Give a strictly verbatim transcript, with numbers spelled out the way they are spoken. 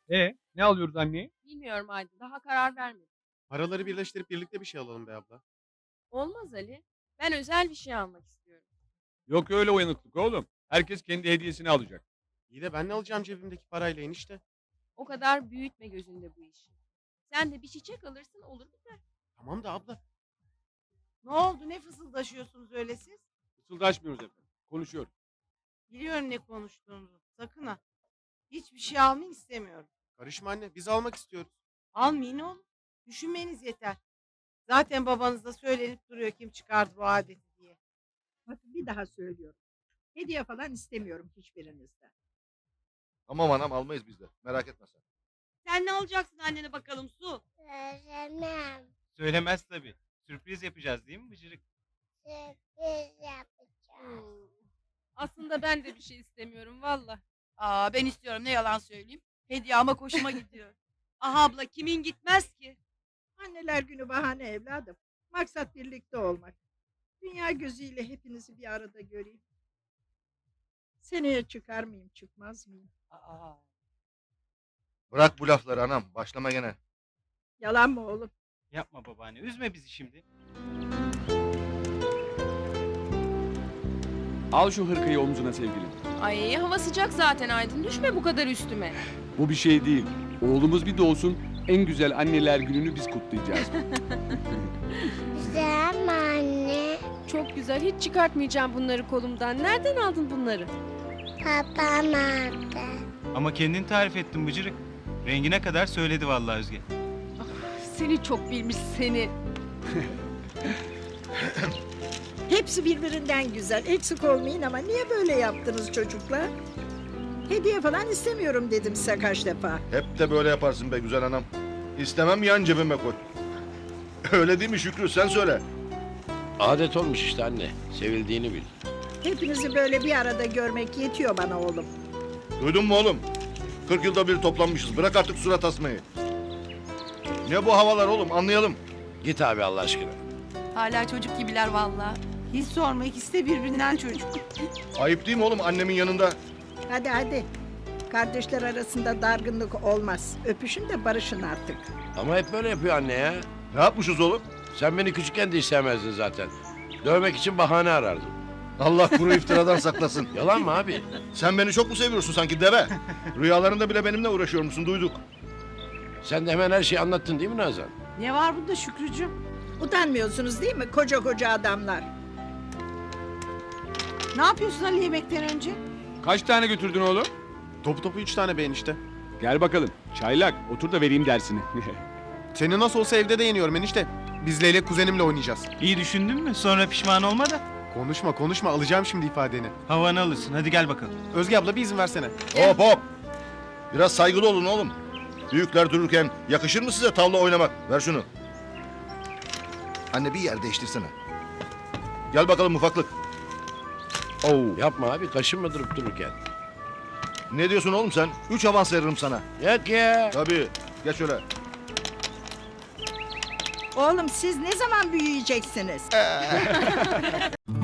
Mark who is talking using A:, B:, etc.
A: E ne alıyoruz anneye?
B: Bilmiyorum Aydın, daha karar vermedim.
C: Paraları birleştirip birlikte bir şey alalım be abla.
B: Olmaz Ali. Ben özel bir şey almak istiyorum.
A: Yok öyle uyanıklık oğlum. Herkes kendi hediyesini alacak.
C: İyi de ben ne alacağım cebimdeki parayla enişte?
B: O kadar büyütme gözünde bu işi. Sen de bir çiçek alırsın olur biter.
C: Tamam da abla.
D: Ne oldu? Ne fısıldaşıyorsunuz öyle siz?
A: Fısıldaşmıyoruz efendim. Konuşuyoruz.
D: Biliyorum ne konuştuğunuzu. Sakın ha. Hiçbir şey almayı istemiyorum.
C: Karışma anne, biz almak istiyoruz.
D: Almayın oğlum. Düşünmeniz yeter. Zaten babanız da söylenip duruyor kim çıkardı bu adeti diye.
E: Bakın bir daha söylüyorum. Hediye falan istemiyorum hiçbirinizden.
F: Tamam anam almayız biz de. Merak etme sen.
D: Sen ne alacaksın annene bakalım Su?
G: Söylemem.
H: Söylemez tabii. Sürpriz yapacağız değil mi Bıcırık?
G: Sürpriz yapacağız.
B: Aslında ben de bir şey istemiyorum valla.
D: Aa ben istiyorum ne yalan söyleyeyim. Hediye ama hoşuma gidiyor. Aha abla kimin gitmez ki?
E: Anneler günü bahane evladım. Maksat birlikte olmak. Dünya gözüyle hepinizi bir arada göreyim. Seneye çıkar mıyım çıkmaz mıyım?
D: Aa.
F: Bırak bu lafları anam. Başlama gene.
E: Yalan mı oğlum?
H: Yapma babaanne. Üzme bizi şimdi.
A: Al şu hırkayı omzuna sevgilim.
B: Ay hava sıcak zaten Aydın. Düşme bu kadar üstüme.
A: Bu bir şey değil. Oğlumuz bir doğsun. En güzel anneler gününü biz kutlayacağız.
G: Güzel mi anne?
B: Çok güzel. Hiç çıkartmayacağım bunları kolumdan. Nereden aldın bunları?
G: Babam aldı.
H: Ama kendin tarif ettin Bıcırık. Rengine kadar söyledi vallahi Özge.
B: Seni çok bilmiş seni.
E: Hepsi birbirinden güzel. Eksik olmayın ama niye böyle yaptınız çocuklar? Hediye falan istemiyorum dedim size kaç defa.
F: Hep de böyle yaparsın be güzel anam. İstemem yan cebime koy. Öyle değil mi Şükrü sen söyle.
I: Adet olmuş işte anne. Sevildiğini bil.
E: Hepinizi böyle bir arada görmek yetiyor bana oğlum.
F: Duydun mu oğlum? kırk yılda bir toplanmışız. Bırak artık surat asmayı. Ne bu havalar oğlum anlayalım.
I: Git abi Allah aşkına.
D: Hala çocuk gibiler valla. Hiç sorma ikisi de birbirinden çocuk.
F: Ayıp değil mi oğlum annemin yanında?
E: Hadi hadi. Kardeşler arasında dargınlık olmaz. Öpüşün de barışın artık.
I: Ama hep böyle yapıyor anne ya.
F: Ne yapmışız oğlum?
I: Sen beni küçükken de istemezdin zaten. Dövmek için bahane arardın.
F: Allah kuru iftiradan saklasın.
I: Yalan mı abi?
F: Sen beni çok mu seviyorsun sanki deve? Rüyalarında bile benimle uğraşıyor musun duyduk.
I: Sen de hemen her şeyi anlattın değil mi Nazan?
D: Ne var bunda Şükrücüğüm?
E: Utanmıyorsunuz değil mi koca koca adamlar?
D: Ne yapıyorsun Ali yemekten önce?
A: Kaç tane götürdün oğlum?
C: Topu topu üç tane be enişte.
A: Gel bakalım. Çaylak otur da vereyim dersini.
C: Seni nasıl olsa evde de yeniyorum enişte. Biz Leylek kuzenimle oynayacağız.
H: İyi düşündün mü? Sonra pişman olma da.
C: Konuşma konuşma alacağım şimdi ifadeni.
H: Havanı alırsın. Hadi gel bakalım.
C: Özge abla bir izin versene.
F: Hop hop. Biraz saygılı olun oğlum. Büyükler dururken yakışır mı size tavla oynamak? Ver şunu. Anne bir yer değiştirsene. Gel bakalım ufaklık. Oo.
I: Yapma abi kaşınma durup dururken.
F: Ne diyorsun oğlum sen? Üç avans veririm sana.
I: Yok ya.
F: Tabii. Geç şöyle.
E: Oğlum siz ne zaman büyüyeceksiniz?